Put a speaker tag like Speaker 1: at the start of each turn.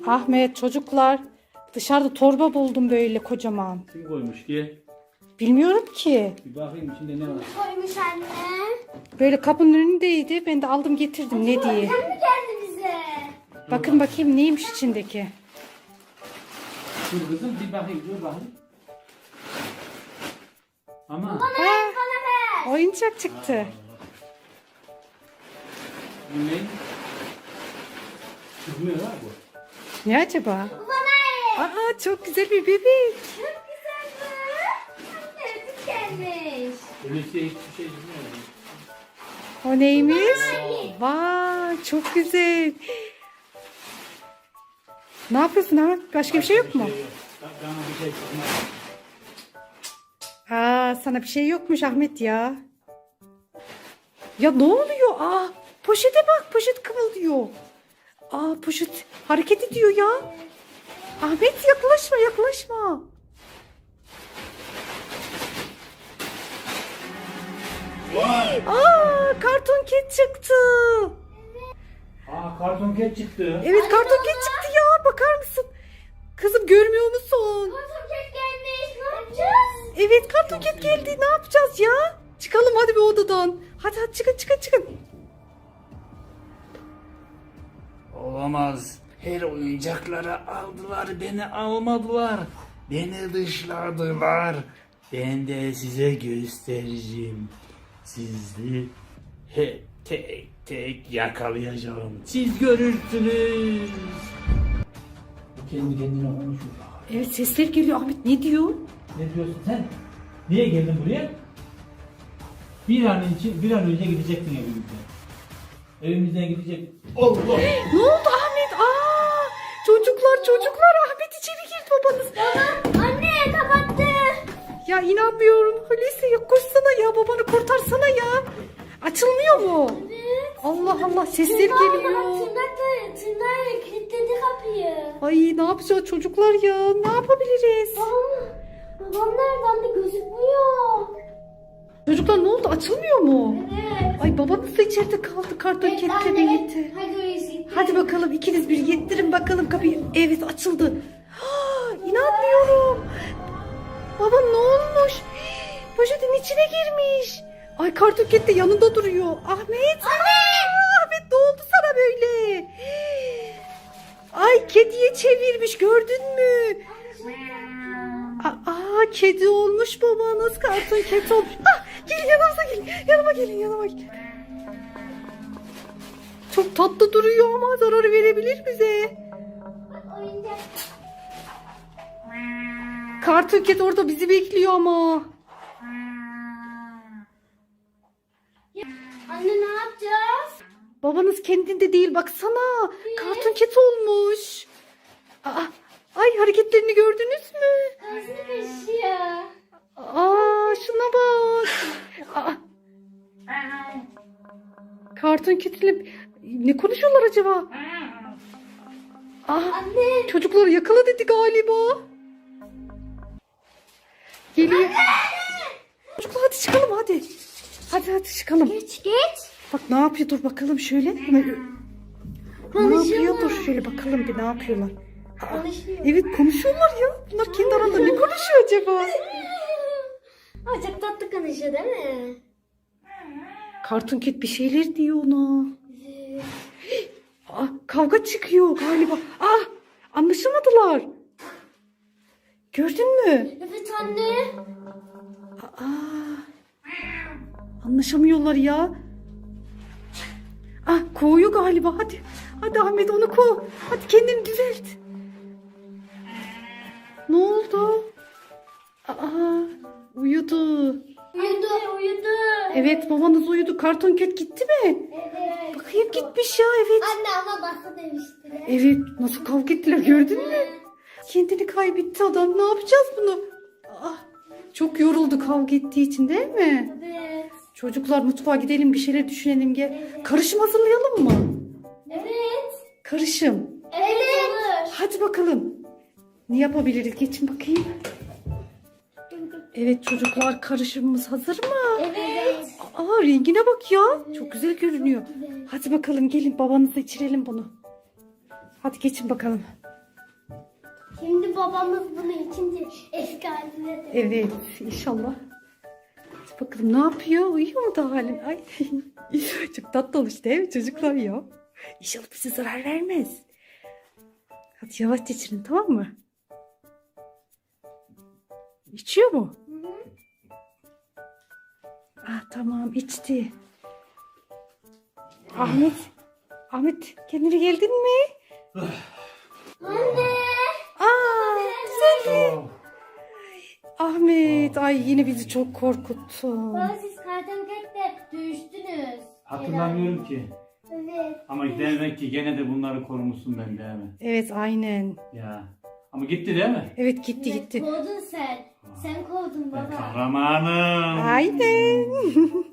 Speaker 1: Ahmet, çocuklar, dışarıda torba buldum böyle kocaman.
Speaker 2: Kim koymuş diye.
Speaker 1: Bilmiyorum ki.
Speaker 2: Bir bakayım içinde ne var.
Speaker 3: Koymuş anne.
Speaker 1: Böyle kapının önündeydi. Ben de aldım getirdim ne diye.
Speaker 3: Sen mi geldi bize?
Speaker 1: Bakın bakayım neymiş içindeki.
Speaker 2: Dur kızım bir bakayım dur bakayım. Ama
Speaker 3: Bana ver.
Speaker 1: Oyuncak çıktı.
Speaker 2: bu ne? Çıkmıyor ha bu.
Speaker 1: Ne acaba?
Speaker 3: Bana ver.
Speaker 1: Aa, çok güzel bir bebek.
Speaker 3: Çok güzel bu. Anne ödül gelmiş.
Speaker 2: Öyleyse hiçbir şey çıkmıyor.
Speaker 1: O neymiş? Vay, çok güzel. Ne yapıyorsun Ahmet? Başka bir şey yok mu?
Speaker 2: Bana bir şey çıkmaz.
Speaker 1: Aa, sana bir şey yokmuş Ahmet ya. Ya ne oluyor? Aa, poşete bak, poşet kımıldıyor. Aa, poşet hareket ediyor ya. Ahmet yaklaşma, yaklaşma. Aa, karton ket çıktı.
Speaker 2: Aa karton ket çıktı.
Speaker 1: Evet, karton ket çıktı ya. Bakar mısın? Kızım görmüyor musun?
Speaker 3: Karton kek gelmiş. Ne yapacağız?
Speaker 1: Evet, karton ket geldi. Ne yapacağız ya? Çıkalım hadi bir odadan. Hadi hadi çıkın çıkın çıkın.
Speaker 2: Olamaz. Her oyuncakları aldılar, beni almadılar. Beni dışladılar. Ben de size göstereceğim. Sizi tek tek yakalayacağım. Siz görürsünüz. Kendi kendine konuşuyor.
Speaker 1: Evet, sesler geliyor. Ahmet ne diyor?
Speaker 2: Ne diyorsun sen? Niye geldin buraya? Bir an önce gidecektin evimizden. Evimizden gidecek. Allah!
Speaker 1: Ne oldu Ahmet? Aa, çocuklar Ahmet içeri girdi babanız.
Speaker 3: Anne kapattı.
Speaker 1: Ya inanmıyorum. Hulusi ya koşsana ya, babanı kurtarsana ya. Açılmıyor mu?
Speaker 3: Evet.
Speaker 1: Allah Allah, sesler geliyor.
Speaker 3: Tırnağıyla kilitledi kapıyı.
Speaker 1: Ay, ne yapacağız çocuklar ya? Ne yapabiliriz?
Speaker 3: Babam nerede anne gözükmüyor.
Speaker 1: Çocuklar ne oldu? Açılmıyor mu?
Speaker 3: Evet.
Speaker 1: Ay, babanız da içeride kaldı. Karton ketle birlikte.
Speaker 3: Hadi Hulusi.
Speaker 1: Hadi bakalım ikiniz bir yettirin bakalım kapıyı. Evet, açıldı. Ha, inanmıyorum. Baba ne olmuş? Poşetin içine girmiş. Ay, karton ket de yanında duruyor. Ahmet. Aa, Ahmet ne oldu sana böyle? Ay, kediye çevirmiş, gördün mü? Aa, kedi olmuş babanız, karton ket olmuş. Ah, gelin yanımıza gelin. Yanıma gelin. Çok tatlı duruyor ama zarar verebilir bize.
Speaker 3: Oyuncak.
Speaker 1: Karton ket orada bizi bekliyor ama.
Speaker 3: Anne ne yapacağız?
Speaker 1: Babanız kendinde değil, baksana. Karton ket olmuş. Aa, ay, hareketlerini gördünüz mü?
Speaker 3: Kazını kaşıyor.
Speaker 1: Aa, şuna bak. Aa, karton ketiyle ne konuşuyorlar acaba? Aa,
Speaker 3: Anne.
Speaker 1: çocuklar yakala dedi galiba. Geliyor. Çocuklar hadi çıkalım hadi. Hadi çıkalım.
Speaker 3: Geç.
Speaker 1: Bak ne yapıyor, dur bakalım şöyle. Ne yapıyor, dur şöyle bakalım bir ne yapıyorlar. Aa,
Speaker 3: Konuşuyor.
Speaker 1: evet, konuşuyorlar ya. Bunlar kendi aralarında ne konuşuyor acaba?
Speaker 3: Aa, çok tatlı konuşuyor değil mi?
Speaker 1: Karton ket bir şeyler diyor ona. Aa, kavga çıkıyor galiba. Ah, anlaşılmadılar. Gördün mü?
Speaker 3: Evet anne.
Speaker 1: Aa, anlaşamıyorlar ya. Ah, kovuyor galiba. Hadi Ahmet, onu kov. Hadi kendini düzelt. Ne oldu? Aa, uyudu.
Speaker 3: Uyudu.
Speaker 1: Evet, babanız uyudu. Karton ket gitti mi?
Speaker 3: Evet.
Speaker 1: Bakayım, gitmiş ya, evet.
Speaker 3: Anne ama bası demişti.
Speaker 1: Evet, nasıl kavga ettiler gördün mü? Kendini kaybetti adam. Ne yapacağız bunu? Ah, çok yoruldu kavga ettiği için değil mi?
Speaker 3: Evet.
Speaker 1: Çocuklar mutfağa gidelim, bir şeyler düşünelim gel. Karışım hazırlayalım mı?
Speaker 3: Evet.
Speaker 1: Karışım.
Speaker 3: Evet. Olur.
Speaker 1: Hadi bakalım. Ne yapabiliriz? Geçin bakayım. Evet çocuklar, karışımımız hazır mı?
Speaker 3: Evet.
Speaker 1: Aa, rengine bak ya. Çok güzel görünüyor. Hadi bakalım gelin, babanıza içirelim bunu. Hadi geçin bakalım.
Speaker 3: Şimdi babamız bunu içince eski haline dönüyor.
Speaker 1: Evet inşallah. Hadi bakalım ne yapıyor? Uyuyor mu da halen? Ay çok tatlı olmuş değil mi çocuklar ya? İnşallah bize zarar vermez. Hadi yavaş içirin tamam mı? İçiyor mu? Ah tamam içti. Ahmet. Ahmet kendine geldin mi?
Speaker 3: Anne.
Speaker 1: Aa güzel.
Speaker 2: Oh.
Speaker 1: Ahmet ay yine bizi çok korkuttun.
Speaker 3: Baba siz kartonketle düştünüz.
Speaker 2: Hatırlamıyorum ki.
Speaker 3: Evet.
Speaker 2: Ama demek ki gene de bunları korumuşsun ben değil mi?
Speaker 1: Evet aynen.
Speaker 2: Ya. Ama gitti değil mi?
Speaker 1: Evet gitti gitti.
Speaker 3: Kovdun sen. Sen kovdun
Speaker 2: Ben
Speaker 3: baba.
Speaker 2: kahramanım.
Speaker 1: Aynen.